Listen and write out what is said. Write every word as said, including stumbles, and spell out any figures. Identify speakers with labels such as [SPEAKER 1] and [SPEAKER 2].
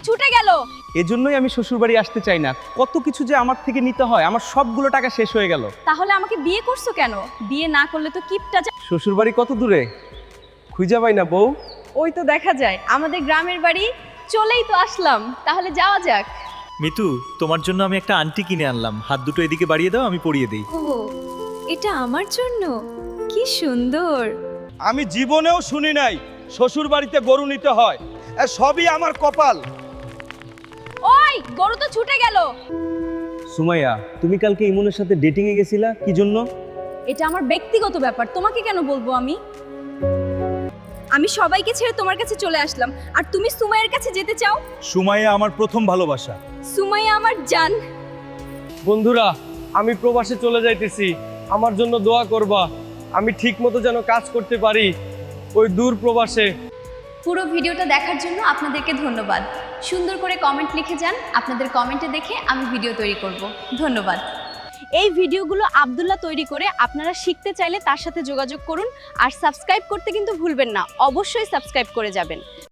[SPEAKER 1] ছুটে গেল।
[SPEAKER 2] এজন্যই আমি শ্বশুরবাড়ি আসতে চাই না। কত কিছু যে আমার থেকে নিতে হয়, আমার সবগুলো টাকা শেষ হয়ে গেল।
[SPEAKER 1] তাহলে আমাকে বিয়ে করছো কেন? বিয়ে না করলে তো কিপটা যা।
[SPEAKER 2] শ্বশুরবাড়ি কত দূরে খুঁজে পাই না বউ।
[SPEAKER 1] ওই তো দেখা যায় আমাদের গ্রামের বাড়ি, চলেই তো আসলাম, তাহলে যাওয়া যাক।
[SPEAKER 3] মিতু, তোমার জন্য আমি একটা আংটি কিনে আনলাম, হাত দুটো এদিকে বাড়িয়ে দাও, আমি পরিয়ে দিই।
[SPEAKER 1] ও, এটা আমার জন্য? কি সুন্দর।
[SPEAKER 4] আমি জীবনেও শুনি নাই শ্বশুর বাড়িতে গরু নিতে হয়। এ সবই আমার কপাল।
[SPEAKER 1] ওই গরু তো ছুটে গেল।
[SPEAKER 2] সুমাইয়া, তুমি কালকে ইমনের সাথে ডেটিং এ গেছিলা কি জন্য?
[SPEAKER 1] এটা আমার ব্যক্তিগত ব্যাপার, তোমাকে কেন বলবো আমি? আমি সবাইকে ছেড়ে তোমার কাছে চলে আসলাম, আর তুমি সুমাইয়ের কাছে যেতে চাও?
[SPEAKER 4] সুমাইয়া আমার প্রথম ভালোবাসা।
[SPEAKER 1] সুমাইয়া আমার জান।
[SPEAKER 2] বন্ধুরা, আমি প্রবাসে চলে যাইতেছি, আমার জন্য দোয়া করবা। আমি ঠিক মতো যেন কাজ করতে পারি ওই দূর প্রবাসে।
[SPEAKER 1] পুরো ভিডিওটা দেখার জন্য আপনাদেরকে ধন্যবাদ। সুন্দর করে কমেন্ট লিখে যান, আপনাদের কমেন্টে দেখে আমি ভিডিও তৈরি করব। ধন্যবাদ। এই ভিডিওগুলো আব্দুল্লাহ তৈরি করে, আপনারা শিখতে চাইলে তার সাথে যোগাযোগ করুন। আর সাবস্ক্রাইব করতে কিন্তু ভুলবেন না, অবশ্যই সাবস্ক্রাইব করে যাবেন।